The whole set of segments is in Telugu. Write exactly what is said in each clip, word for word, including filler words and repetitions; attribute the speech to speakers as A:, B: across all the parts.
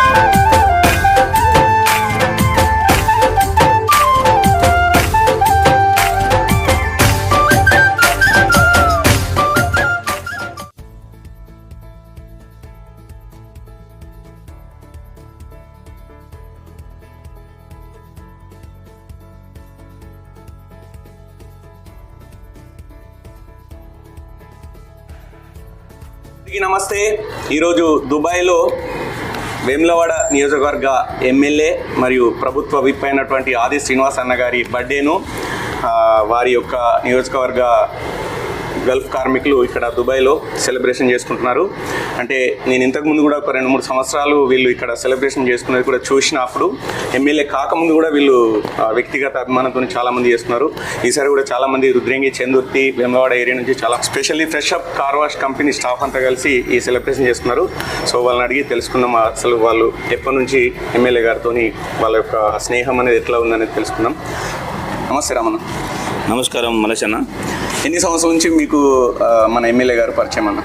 A: నమస్తే. ఈరోజు దుబాయ్లో వేములవాడ నియోజకవర్గ ఎమ్మెల్యే మరియు ప్రభుత్వ విప్ అయినటువంటి ఆది శ్రీనివాస్ అన్న గారి బర్త్డేను వారి యొక్క నియోజకవర్గ గల్ఫ్ కార్మికులు ఇక్కడ దుబాయ్లో సెలబ్రేషన్ చేసుకుంటున్నారు. అంటే నేను ఇంతకుముందు కూడా ఒక రెండు మూడు సంవత్సరాలు వీళ్ళు ఇక్కడ సెలబ్రేషన్ చేసుకునేది కూడా చూసినప్పుడు ఎమ్మెల్యే కాకముందు కూడా వీళ్ళు వ్యక్తిగత అభిమానంతో చాలామంది చేస్తున్నారు. ఈసారి కూడా చాలామంది రుద్రంగి, చందుర్తి, వేములవాడ ఏరియా నుంచి చాలా specially fresh up car wash company staff అంతా కలిసి ఈ సెలబ్రేషన్ చేస్తున్నారు. సో వాళ్ళని అడిగి తెలుసుకుందాం అసలు వాళ్ళు ఎప్పటి నుంచి ఎమ్మెల్యే గారితో వాళ్ళ యొక్క స్నేహం అనేది ఎట్లా ఉందనేది తెలుసుకుందాం. నమస్తే రామన్న.
B: నమస్కారం మలేష్ అన్న.
A: ఎన్ని సంవత్సరాల నుంచి మీకు మన ఎమ్మెల్యే గారు పరిచయం అన్న?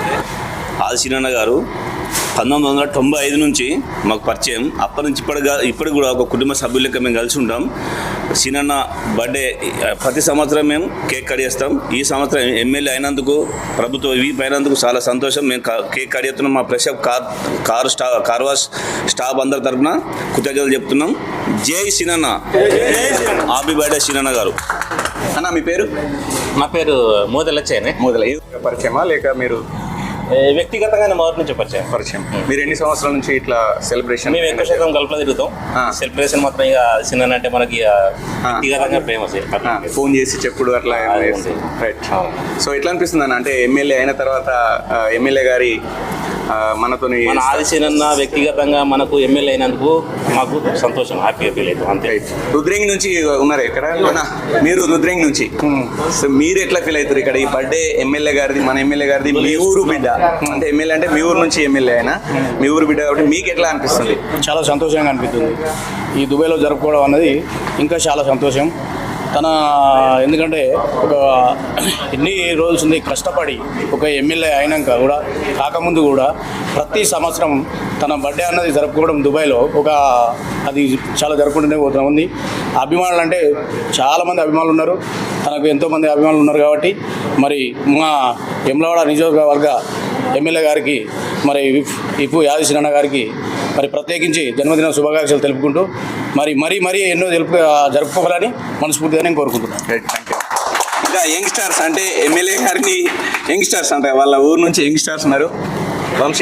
B: ఆది సీనన్న గారు పంతొమ్మిది వందల తొంభై ఐదు నుంచి మాకు పరిచయం. అప్పటి నుంచి ఇప్పటిగా ఇప్పటికి కూడా ఒక కుటుంబ సభ్యులకి మేము కలిసి ఉంటాం. సీనన్న బర్త్డే ప్రతి సంవత్సరం మేము కేక్ కట్ చేస్తాం. ఈ సంవత్సరం ఎమ్మెల్యే అయినందుకు, ప్రభుత్వ వీప్ అయినందుకు చాలా సంతోషం. మేము కేక్ కట్ చేస్తున్నాం. మా ఫ్రెష్ అప్ కార్ కారు స్టా కార్ వాష్ స్టాఫ్ అందరి తరఫున కృతజ్ఞతలు చెప్తున్నాం. జై సీనన్న. హ్యాపీ బర్త్డే సీనన్న గారు.
A: అన్న మీ పేరు?
C: నా పేరు మోదలచ్చేనే.
A: మోదల పరిచయమా లేక మీరు
C: వ్యక్తిగతంగానే మొదటి నుంచి పరిచయం
A: పరిచయం మీరు ఎన్ని సంవత్సరాల నుంచి ఇట్లా సెలబ్రేషన్?
C: మేము ఎక్కువ శాతం గల్ఫ్లో తిరుగుతాం. సెలబ్రేషన్ మాత్రం ఇక సినిమా అంటే మనకి వ్యక్తిగతంగా ఫేమస్.
A: ఫోన్ చేసి చెప్పుడు అట్లా రైట్. సో ఎట్లా అనిపిస్తుంది అన్న, అంటే ఎమ్మెల్యే అయిన తర్వాత ఎమ్మెల్యే గారి మనతో
C: మన ఆది సీనన్న వ్యక్తిగతంగా మనకు ఎమ్మెల్యే అయినందుకు మాకు సంతోషం, హ్యాపీగా ఫీల్ అవుతాం అంతే.
A: రుద్రంగి నుంచి ఉన్నారు ఎక్కడ? మీరు రుద్రంగి నుంచి. సో మీరు ఎట్లా ఫీల్ అవుతారు ఇక్కడ ఈ బర్త్డే ఎమ్మెల్యే గారిది, మన ఎమ్మెల్యే గారిది, మీ ఊరు బిడ్డ అంటే ఎమ్మెల్యే అంటే మీ ఊరు నుంచి ఎమ్మెల్యే అయినా మీ ఊరు బిడ్డ కాబట్టి మీకు ఎట్లా అనిపిస్తుంది?
D: చాలా సంతోషంగా అనిపిస్తుంది. ఈ దుబాయ్లో జరుపుకోవడం అన్నది ఇంకా చాలా సంతోషం. తన ఎందుకంటే ఒక ఎన్ని రోజులు ఉంది కష్టపడి ఒక ఎమ్మెల్యే అయినాక కూడా కాకముందు కూడా ప్రతి సంవత్సరం తన బర్త్డే అన్నది జరుపుకోవడం దుబాయ్లో ఒక అది చాలా జరుపుకుంటూనే పోతూ ఉంది. అభిమానులు అంటే చాలామంది అభిమానులు ఉన్నారు, తనకు ఎంతోమంది అభిమానులు ఉన్నారు. కాబట్టి మరి మా వేములవాడ నియోజకవర్గ ఎమ్మెల్యే గారికి మరి ఇప్పు ఆది సీనన్న గారికి మరి ప్రత్యేకించి జన్మదిన శుభాకాంక్షలు తెలుపుకుంటూ మరి మరీ మరీ ఎన్నో తెలుపు జరుపుకోవాలని మనస్ఫూర్తిగా నేను కోరుకుంటున్నాను.
A: Thank you. ఇంకా యంగ్స్టర్స్ అంటే ఎమ్మెల్యే గారిని యంగ్స్టర్స్ అంటే వాళ్ళ ఊరు నుంచి యంగ్స్టర్స్ ఉన్నారు. వంశీ,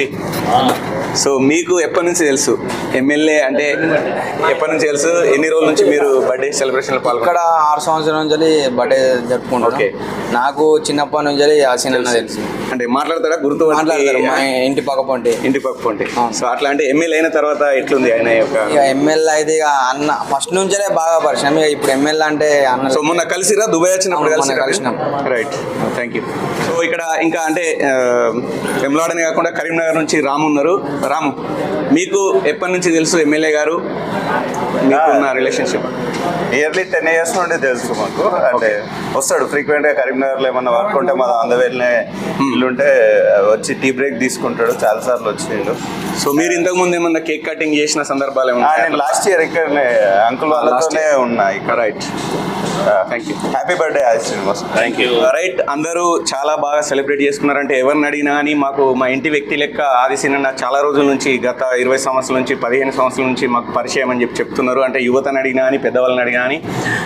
A: సో మీకు ఎప్పటి నుంచి తెలుసు ఎమ్మెల్యే అంటే? ఎప్పటి నుంచి తెలుసు? ఎన్ని రోజుల నుంచి మీరు బర్త్డే సెలబ్రేషన్ పాల్గొన్నారు?
E: ఇక్కడ ఆరు సంవత్సరాల నుంచి బర్త్డే జరుపుకుంటాం. ఓకే. నాకు చిన్నప్పటి నుంచి ఆసీనన్న తెలుసు.
A: అంటే మాట్లాడతారా? గుర్తు
E: మాట్లాడతారు. మా ఇంటి పక్క పొంటి
A: ఇంటి పక్క పొంటి సో అట్లా అంటే ఎమ్మెల్యే అయిన తర్వాత ఎట్లుంది ఆయన యొక్క?
E: ఇక ఎమ్మెల్యే అయితే ఇక అన్న ఫస్ట్ నుంచే బాగా పరిచయం. ఇక ఇప్పుడు ఎమ్మెల్యే అంటే అన్న.
A: సో మొన్న కలిసిరా దుబాయ్ వచ్చినప్పుడు?
E: కలిసినాం.
A: Right, thank you. సో ఇక్కడ ఇంకా అంటే వేములవాడనే కాకుండా కరీంనగర్ నుంచి రాము ఉన్నారు. రాము, మీకు ఎప్పటి నుంచి తెలుసు ఎమ్మెల్యే గారు? మీకున్న రిలేషన్షిప్?
F: ఇయర్లీ టెన్ ఇయర్స్ నుండి తెలుసు మాకు. అంటే వస్తాడు ఫ్రీక్వెంట్గా కరీంనగర్లో ఏమన్నా వర్క్ ఉంటే మా అందవేళ్ళనే ఇల్లు ఉంటే వచ్చి టీ బ్రేక్ తీసుకుంటాడు. చాలా సార్లు వచ్చిండు.
A: సో మీరు ఇంతకు ముందు ఏమన్నా కేక్ కటింగ్ చేసిన సందర్భాలు ఏమన్నా?
F: నేను లాస్ట్ ఇయర్ ఇక్కడనే అంకుల్ వాళ్ళతోనే ఉన్నా ఇక్కడ.
A: Right, thank you.
F: Happy birthday Adi Srinivas.
B: Thank you.
A: Right, అందరూ చాలా బాగా సెలబ్రేట్ చేసుకున్నారంటే ఎవరిని అడిగినా కానీ మాకు మా ఇంటి వ్యక్తి లెక్క ఆది సీనన్న చాలా రోజుల నుంచి, గత ఇరవై సంవత్సరాల నుంచి పదిహేను సంవత్సరాల నుంచి మాకు పరిచయం అని చెప్పి చెప్తున్నారు. అంటే యువతని అడిగినా కానీ పెద్దవాళ్ళని అడిగినా కానీ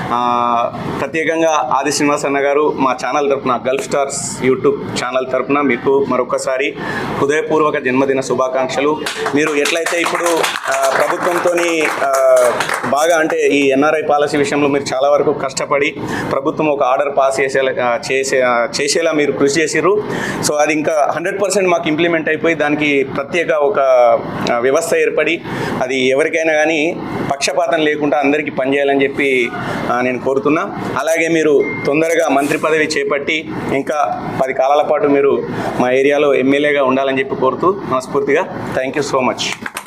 A: ప్రత్యేకంగా ఆది శ్రీనివాస్ అన్న గారు మా ఛానల్ తరపున, గల్ఫ్ స్టార్స్ యూట్యూబ్ ఛానల్ తరపున మీకు మరొకసారి హృదయపూర్వక జన్మదిన శుభాకాంక్షలు. మీరు ఎట్లయితే ఇప్పుడు ప్రభుత్వంతో బాగా అంటే ఈ ఎన్ఆర్ఐ పాలసీ విషయంలో మీరు చాలా వరకు కష్టపడి ప్రభుత్వం ఒక ఆర్డర్ పాస్ చేసేలా చేసే చేసేలా మీరు కృషి చేసిర్రు. సో అది ఇంకా హండ్రెడ్ పర్సెంట్ మాకు ఇంప్లిమెంట్ అయిపోయి దానికి ప్రత్యేక ఒక వ్యవస్థ ఏర్పడి అది ఎవరికైనా కానీ పక్షపాతం లేకుండా అందరికీ పనిచేయాలని చెప్పి నేను కోరుతున్నా. అలాగే మీరు తొందరగా మంత్రి పదవి చేపట్టి ఇంకా పది కాలాల పాటు మీరు మా ఏరియాలో ఎమ్మెల్యేగా ఉండాలని చెప్పి కోరుతూ మనస్ఫూర్తిగా థ్యాంక్ యూ సో మచ్.